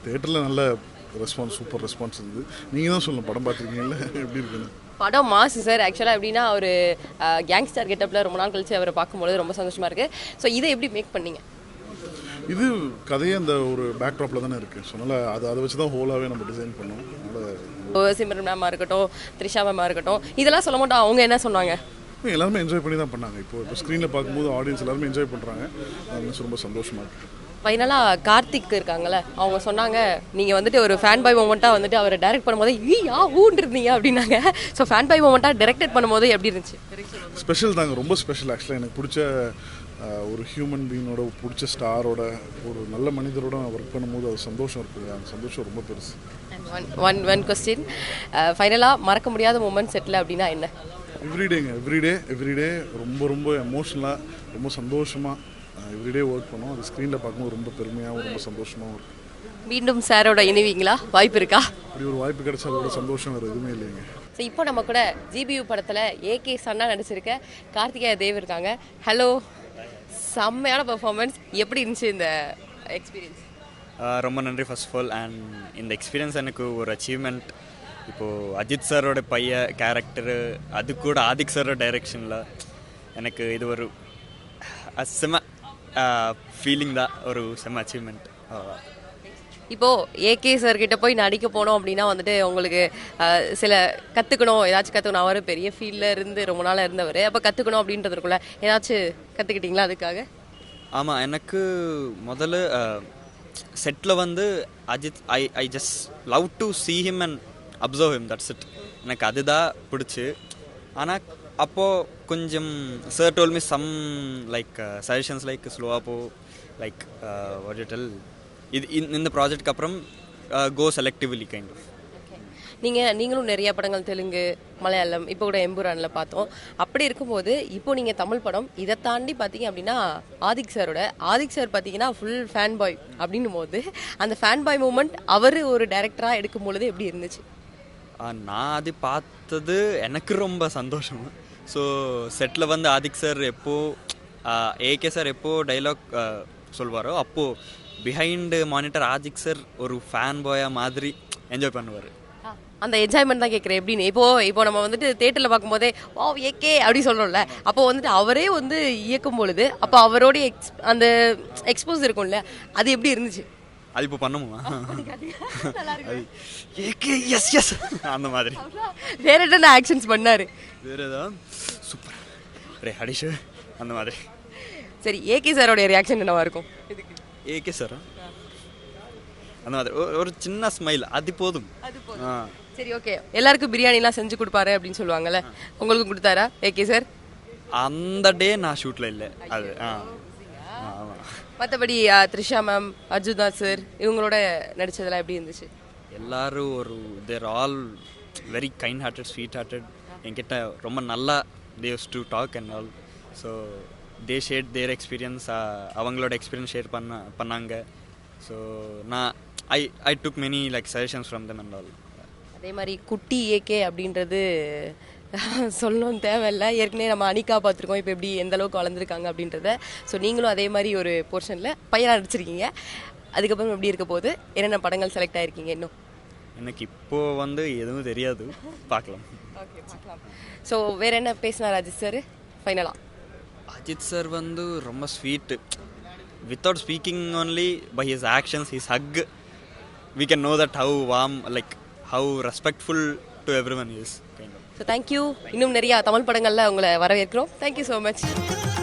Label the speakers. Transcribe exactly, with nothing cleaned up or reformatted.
Speaker 1: தேட்டரில் நல்ல response, super response இருந்தது. நீங்கள் தான் சொல்லணும் படம் பார்த்துருக்கீங்களா எப்படி இருக்குன்னு.
Speaker 2: படம் மாசு சார். ஆக்சுவலாக எப்படின்னா ஒரு கேங்ஸ்டர் கெட்டப்பில் ரொம்ப நாள் கழிச்சு அவரை பார்க்கும்போது ரொம்ப சந்தோஷமாக இருக்குது. ஸோ இதை எப்படி மேக் பண்ணீங்க?
Speaker 1: இது கதையே அந்த ஒரு பேக்ட்ராப்பில் தானே இருக்குது. ஸோ அதனால் அது அதை வச்சு தான் ஹோலாகவே நம்ம டிசைன் பண்ணோம். அதனால்
Speaker 2: சிம்ரன் மேமாக இருக்கட்டும், த்ரிஷா மேமாக இருக்கட்டும், இதெல்லாம் சொல்ல மாட்டோம். அவங்க என்ன சொன்னாங்க?
Speaker 1: எல்லாருமே என்ஜாய் பண்ணி தான் பண்ணாங்க. இப்போ இப்போ ஸ்க்ரீனில் பார்க்கும்போது ஆடியன்ஸ் எல்லாருமே என்ஜாய் பண்ணுறாங்க. அது ரொம்ப சந்தோஷமாக இருக்குது.
Speaker 2: ஃபைனலாக கார்த்திக் இருக்காங்கல்ல, அவங்க சொன்னாங்க நீங்கள் வந்துட்டு ஒரு ஃபேன் பாய் மூமெண்ட்டாக வந்துட்டு அவரை டைரக்ட் பண்ணும்போது ஈ யா ஊன் இருந்தீங்க அப்படின்னாங்க. ஸோ ஃபேன் பாய் மூமெண்ட்டாக டைரக்டட் பண்ணும்போது எப்படி இருந்துச்சு?
Speaker 1: ஸ்பெஷல் தாங்க, ரொம்ப ஸ்பெஷல். ஆக்சுவலாக எனக்கு பிடிச்ச ஒரு ஹியூமன் பீயினோட, பிடிச்ச ஸ்டாரோட, ஒரு நல்ல மனிதரோட ஒர்க் பண்ணும்போது அது சந்தோஷம் இருக்குது. அந்த சந்தோஷம் ரொம்ப பெருசு.
Speaker 2: ஒன் ஒன் ஒன் கொஸ்டின், ஃபைனலாக மறக்க முடியாத மூமெண்ட் செட்டில் அப்படின்னா என்ன?
Speaker 1: எவ்ரிடேங்க, எவ்ரிடே எவ்ரிடே ரொம்ப ரொம்ப எமோஷ்னலாக, ரொம்ப சந்தோஷமாக எவ்ரிடே ஒர்க் பண்ணோம். அது ஸ்க்ரீனில் பார்க்கும்போது ரொம்ப பெருமையாகவும் ரொம்ப சந்தோஷமாகவும் இருக்கும்.
Speaker 2: மீண்டும் சாரோட இணைவீங்களா? வாய்ப்பு இருக்கா?
Speaker 1: அப்படி ஒரு வாய்ப்பு கிடைச்சா அதோட சந்தோஷம் வேறு எதுவுமே இல்லைங்க.
Speaker 2: ஸோ இப்போ நம்ம கூட ஜிபியு படத்தில் ஏகே சன்னா நடிச்சிருக்க கார்த்திகேய தேவ் இருக்காங்க. ஹலோ, செம்மையான பெர்ஃபார்மன்ஸ். எப்படி இருந்துச்சு இந்த எக்ஸ்பீரியன்ஸ்?
Speaker 3: ரொம்ப நன்றி ஃபர்ஸ்ட் ஆஃப் ஆல். அண்ட் இந்த எக்ஸ்பீரியன்ஸ் எனக்கு ஒரு அச்சீவ்மெண்ட். இப்போது அஜித் சாரோட பைய கேரக்டரு, அது கூட ஆதிக் சாரோட டைரெக்ஷனில் எனக்கு இது ஒரு செம ஃபீலிங் தான், ஒரு செம அச்சீவ்மெண்ட்.
Speaker 2: இப்போது ஏகே சார்கிட்ட போய் நடிக்க போனோம் அப்படின்னா வந்துட்டு உங்களுக்கு சில கற்றுக்கணும், ஏதாச்சும் கற்றுக்கணும். அவர் பெரிய ஃபீல்டில் இருந்து ரொம்ப நாளாக இருந்தவர். அப்போ கற்றுக்கணும் அப்படின்றதுக்குள்ள ஏதாச்சும் கற்றுக்கிட்டிங்களா அதுக்காக?
Speaker 3: ஆமாம், எனக்கு முதல்ல செட்டில் வந்து Ajith I I just love to see him and observe him, that's it. எனக்கு அதுதான் பிடிச்சி. ஆனால் அப்போது கொஞ்சம் sir told me some like suggestions like ஸ்லோவாக போ, லைக் வாட் யூ டெல், இது இந்த ப்ராஜெக்ட்டுக்கு அப்புறம் கோ செலக்டிவ்லி கைண்ட் ஆஃப்.
Speaker 2: நீங்கள் நீங்களும் நிறைய படங்கள் தெலுங்கு, மலையாளம், இப்போ கூட எம்புரானில் பார்த்தோம். அப்படி இருக்கும்போது இப்போ நீங்கள் தமிழ் படம் இதை தாண்டி பார்த்தீங்க அப்படின்னா ஆதிக் சாரோட ஆதிக் சார் பார்த்தீங்கன்னா ஃபுல் ஃபேன் பாய் அப்படின்னும் போது அந்த ஃபேன் பாய் மூமெண்ட் அவர் ஒரு டைரக்டராக எடுக்கும் பொழுது எப்படி இருந்துச்சு?
Speaker 3: நான் அது பார்த்தது எனக்கு ரொம்ப சந்தோஷம். ஸோ செட்டில் வந்து ஆதிக் சார் எப்போது ஏகே சார் எப்போது டைலாக் சொல்வாரோ அப்போது பிஹைண்டு மானிட்டர் ஆதிக் சார் ஒரு ஃபேன் பாயாக மாதிரி என்ஜாய் பண்ணுவார்.
Speaker 2: அந்த என்ஜாய்மெண்ட் தான் கேட்குறேன் எப்படின்னு. இப்போ இப்போ நம்ம வந்துட்டு தேட்டரில் பார்க்கும்போதே வா ஏகே அப்படி சொல்கிறோம்ல, அப்போ வந்துட்டு அவரே வந்து இயக்கும் பொழுது அப்போ அவரோடைய எக்ஸ் அந்த எக்ஸ்போஸ் இருக்கும்ல, அது எப்படி இருந்துச்சு?
Speaker 3: அது இப்போ பண்ணுமா? ஏகே எஸ் எஸ் அந்த மாதிரி
Speaker 2: வேற என்ன ஆக்ஷன்ஸ் பண்ணாரு?
Speaker 3: வேற ஏதாவது சூப்பர் ரே ஹடிஷு அந்த மாதிரி.
Speaker 2: சரி, ஏகே சாரோடைய ரியாக்ஷன் என்னவா இருக்கும்?
Speaker 3: ஏகே சார் அந்த மாதிரி ஒரு சின்ன ஸ்மைல், அது போதும்.
Speaker 2: சரி, ஓகே. எல்லாருக்கும் பிரியாணிலாம் செஞ்சு கொடுப்பாரு அப்படின்னு சொல்லுவாங்கல்ல, உங்களுக்கும் கொடுத்தாரா ஏகே சார்?
Speaker 3: அந்த டே நான் ஷூட்டில் இல்லை. அது ஆமாம்.
Speaker 2: மற்றபடி த்ரிஷா மேம், அர்ஜுனா சார் இவங்களோட நடித்ததெல்லாம் எப்படி இருந்துச்சு?
Speaker 3: எல்லாரும் ஒரு they're all very kind hearted, sweet hearted. என்கிட்ட ரொம்ப நல்லா தேவ்ஸ் to talk and all. So they share their experience, அவங்களோட எக்ஸ்பீரியன்ஸ் ஷேர் பண்ண பண்ணாங்க. ஸோ நான் I I took many like suggestions from them and all.
Speaker 2: அதே மாதிரி குட்டி ஏகே அப்படின்றது சொல்லணும் தேவையில்லை. ஏற்கனவே நம்ம அனிகா பார்த்துருக்கோம், இப்போ எப்படி எந்த அளவுக்கு வளர்ந்துருக்காங்க அப்படின்றத. ஸோ நீங்களும் அதே மாதிரி ஒரு போர்ஷனில் பையனாக நடிச்சிருக்கீங்க. அதுக்கப்புறம் எப்படி இருக்க போது, என்னென்ன படங்கள் செலக்ட் ஆகிருக்கீங்க? இன்னும்
Speaker 3: எனக்கு இப்போது வந்து எதுவும் தெரியாது, பார்க்கலாம்.
Speaker 2: ஓகே, பார்க்கலாம். ஸோ வேறு என்ன பேசினார் அஜித் சார் ஃபைனலாக?
Speaker 3: அஜித் சார் வந்து ரொம்ப sweet. Without speaking only, by his actions, his hug, we can know that how warm, like how respectful to everyone he is, kind of.
Speaker 2: So thank you. இன்னும் நிறைய தமிழ் படங்கள்ல உங்களை வரவேற்கிறோம். Thank you so much.